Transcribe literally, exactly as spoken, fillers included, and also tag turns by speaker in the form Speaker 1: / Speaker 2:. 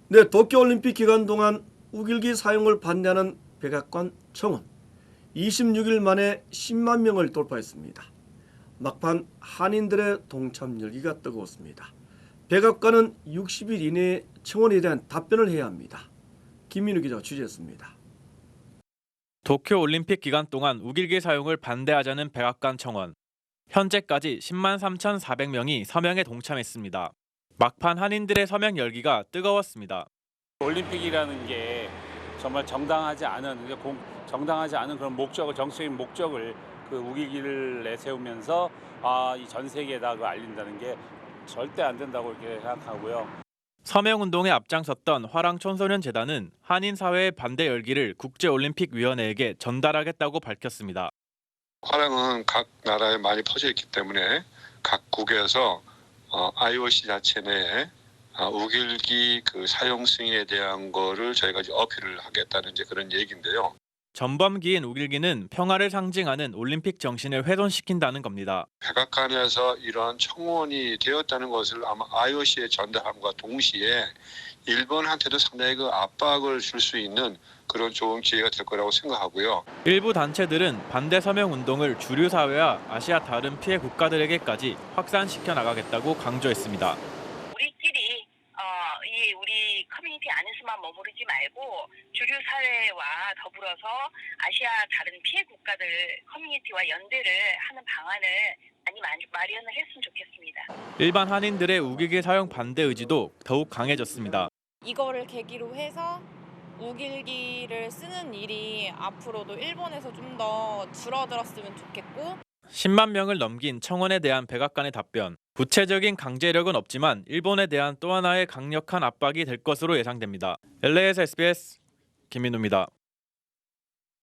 Speaker 1: 네, 도쿄올림픽 기간 동안 우길기 사용을 반대하는 백악관 청원 이십육 일 만에 십만 명을 돌파했습니다. 막판 한인들의 동참 열기가 뜨거웠습니다. 백악관은 육십 일 이내에 청원에 대한 답변을 해야 합니다. 김민우 기자가 취재했습니다.
Speaker 2: 도쿄올림픽 기간 동안 우길기 사용을 반대하자는 백악관 청원. 현재까지 십만 삼천사백 명이 서명에 동참했습니다. 막판 한인들의 서명 열기가 뜨거웠습니다.
Speaker 3: 올림픽이라는 게 정말 정당하지 않은 공, 정당하지 않은 그런 목적을 정치적인 목적을 그 우기기를 내세우면서 아, 이 전 세계에다 그 알린다는 게 절대 안 된다고 이렇게 생각하고요.
Speaker 2: 서명 운동에 앞장섰던 화랑 청소년 재단은 한인 사회의 반대 열기를 국제올림픽위원회에게 전달하겠다고 밝혔습니다.
Speaker 4: 화랑은 각 나라에 많이 퍼져 있기 때문에 각국에서 어, 아이오씨 자체 내에 어, 우길기 그 사용 승인에 대한 거를 저희가 이제 어필을 하겠다는 이제 그런 얘기인데요.
Speaker 2: 전범기인 우길기는 평화를 상징하는 올림픽 정신을 훼손시킨다는 겁니다.
Speaker 4: 백악관에서 이런 청원이 되었다는 것을 아마 아이오씨에 전달함과 동시에 일본한테도 상당히 그 압박을 줄 수 있는 그런 좋은 기회가 될 거라고 생각하고요.
Speaker 2: 일부 단체들은 반대 서명 운동을 주류 사회와 아시아 다른 피해 국가들에게까지 확산시켜 나가겠다고 강조했습니다.
Speaker 5: 우리끼리 어, 이 우리 커뮤니티 안에서만 머무르지 말고 주류 사회와 더불어서 아시아 다른 피해 국가들 커뮤니티와 연대를 하는 방안을 많이 마련을 했으면 좋겠습니다.
Speaker 2: 일반 한인들의 우길기 사용 반대 의지도 더욱 강해졌습니다.
Speaker 6: 이거를 계기로 해서 우길기를 쓰는 일이 앞으로도 일본에서 좀 더 줄어들었으면 좋겠고
Speaker 2: 십만 명을 넘긴 청원에 대한 백악관의 답변. 구체적인 강제력은 없지만 일본에 대한 또 하나의 강력한 압박이 될 것으로 예상됩니다. 엘에이에스 에스비에스 김민우입니다.